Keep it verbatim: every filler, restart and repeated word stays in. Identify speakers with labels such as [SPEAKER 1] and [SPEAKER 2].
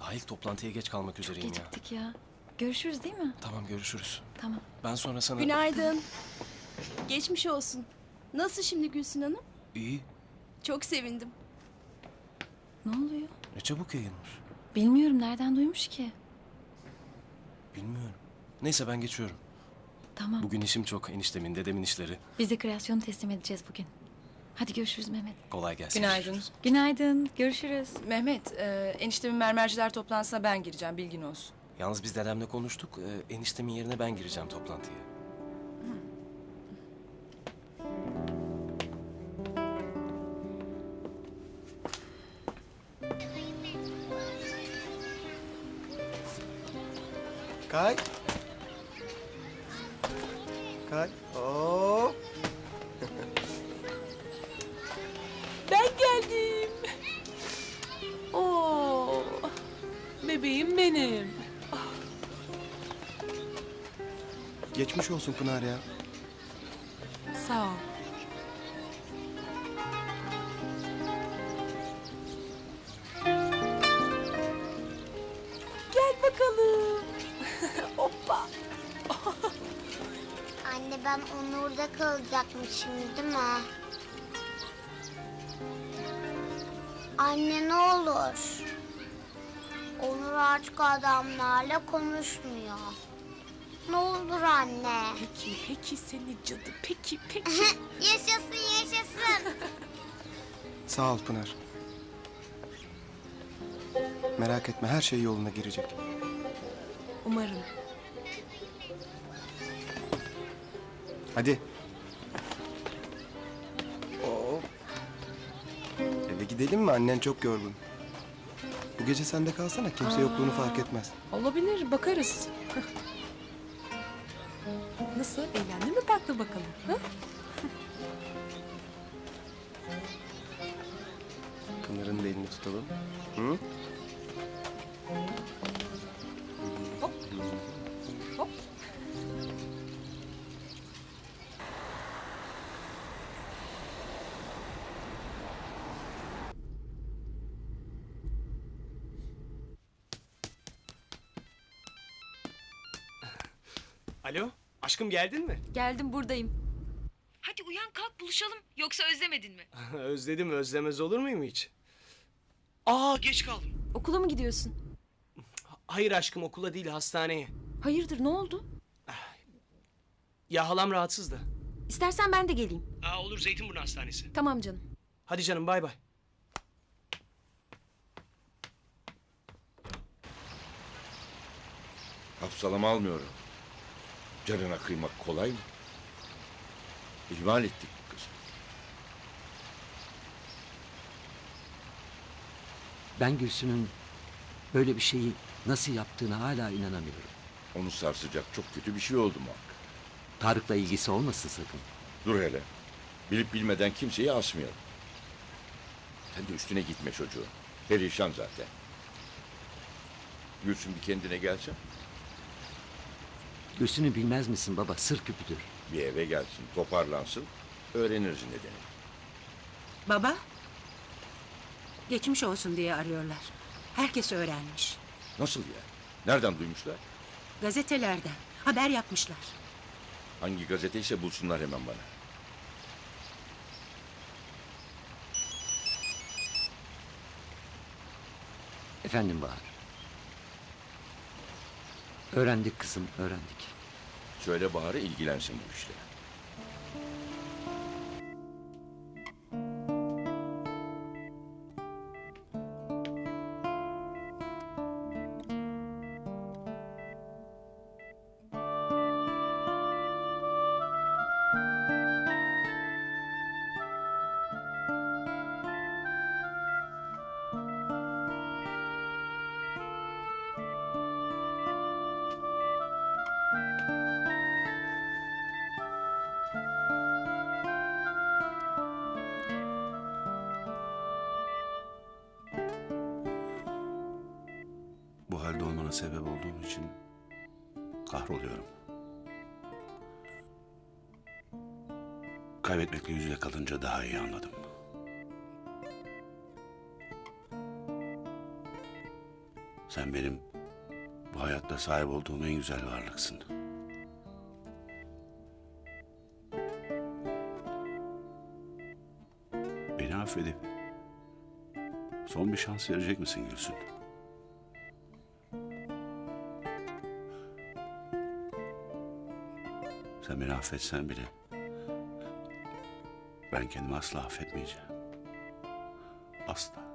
[SPEAKER 1] Dahil toplantıya geç kalmak üzereyim ya.
[SPEAKER 2] Geciktik ya. Görüşürüz değil mi?
[SPEAKER 1] Tamam, görüşürüz.
[SPEAKER 2] Tamam.
[SPEAKER 1] Ben sonra sana...
[SPEAKER 3] Günaydın. Geçmiş olsun. Nasıl şimdi Gülsün Hanım?
[SPEAKER 1] İyi.
[SPEAKER 3] Çok sevindim.
[SPEAKER 2] Ne oluyor?
[SPEAKER 1] Ne çabuk yayılmış.
[SPEAKER 2] Bilmiyorum, nereden duymuş ki?
[SPEAKER 1] Bilmiyorum. Neyse ben geçiyorum.
[SPEAKER 2] Tamam.
[SPEAKER 1] Bugün işim çok. Eniştemin, dedemin işleri.
[SPEAKER 2] Biz de kreasyonu teslim edeceğiz bugün. Hadi görüşürüz Mehmet.
[SPEAKER 1] Kolay gelsin.
[SPEAKER 4] Günaydın.
[SPEAKER 2] Günaydın. Görüşürüz.
[SPEAKER 4] Mehmet, e, eniştemin mermerciler toplantısına ben gireceğim, bilgin olsun.
[SPEAKER 1] Yalnız biz dedemle konuştuk. Ee, eniştemin yerine ben gireceğim toplantıya.
[SPEAKER 5] Kay. Kay. Hop.
[SPEAKER 6] Ben geldim. Oo, bebeğim benim.
[SPEAKER 5] Geçmiş olsun Pınar ya.
[SPEAKER 6] Sağ ol. Gel bakalım. Hoppa.
[SPEAKER 7] Anne ben Onur'da kalacakmışım değil mi? Anne ne olur. Onur artık adamlarla konuşmuyor. Ne olur anne.
[SPEAKER 6] Peki, peki seni cadı. Peki, peki.
[SPEAKER 7] Yaşasın yaşasın.
[SPEAKER 5] Sağ ol Pınar. Merak etme, her şey yoluna girecek.
[SPEAKER 6] Umarım.
[SPEAKER 5] Hadi. Hop. Eve gidelim mi? Annen çok yorgun. Bu gece sende kalsana, kimse yokluğunu fark etmez.
[SPEAKER 6] Olabilir, bakarız. Nasıl? Eğlendin mi parkta bakalım? Ha?
[SPEAKER 5] Pınar'ın da elini tutalım. Hı?
[SPEAKER 6] Hop. Hop.
[SPEAKER 8] Alo, aşkım geldin mi?
[SPEAKER 9] Geldim, buradayım. Hadi uyan, kalk buluşalım. Yoksa özlemedin mi?
[SPEAKER 8] Özledim, özlemez olur muyum hiç? Aa, geç kaldım.
[SPEAKER 9] Okula mı gidiyorsun?
[SPEAKER 8] Hayır aşkım, okula değil, hastaneye.
[SPEAKER 9] Hayırdır, ne oldu?
[SPEAKER 8] Ya halam rahatsız da.
[SPEAKER 9] İstersen ben de geleyim.
[SPEAKER 8] Aa, olur, Zeytinburnu Hastanesi.
[SPEAKER 9] Tamam canım.
[SPEAKER 8] Hadi canım, bay bay.
[SPEAKER 10] Hafsalama almıyorum. Canına kıymak kolay mı? İhmal ettik bu kızı.
[SPEAKER 11] Ben Gülsün'ün böyle bir şeyi nasıl yaptığına hala inanamıyorum.
[SPEAKER 10] Onu sarsacak çok kötü bir şey oldu muhakkak.
[SPEAKER 11] Tarık'la ilgisi olmasın sakın.
[SPEAKER 10] Dur hele. Bilip bilmeden kimseyi asmayalım. Sen de üstüne gitme çocuğu. Perişan zaten. Gülsün bir kendine gelsin.
[SPEAKER 11] Gülsün'ü bilmez misin baba? Sır küpüdür.
[SPEAKER 10] Bir eve gelsin, toparlansın. Öğreniriz nedeni.
[SPEAKER 12] Baba, geçmiş olsun diye arıyorlar. Herkes öğrenmiş.
[SPEAKER 10] Nasıl yani? Nereden duymuşlar?
[SPEAKER 12] Gazetelerden haber yapmışlar.
[SPEAKER 10] Hangi gazeteyse bulsunlar hemen bana.
[SPEAKER 11] Efendim Bahar. Öğrendik kızım, öğrendik.
[SPEAKER 10] Söyle Bahar'a ilgilensin bu işle.
[SPEAKER 13] Bu halde olmana sebep olduğum için kahroluyorum. Kaybetmekle yüz yüze kalınca daha iyi anladım. Sen benim bu hayatta sahip olduğum en güzel varlıksın. Beni affedip son bir şans verecek misin Gülsün? Sen beni affetsen bile ben kendimi asla affetmeyeceğim. Asla.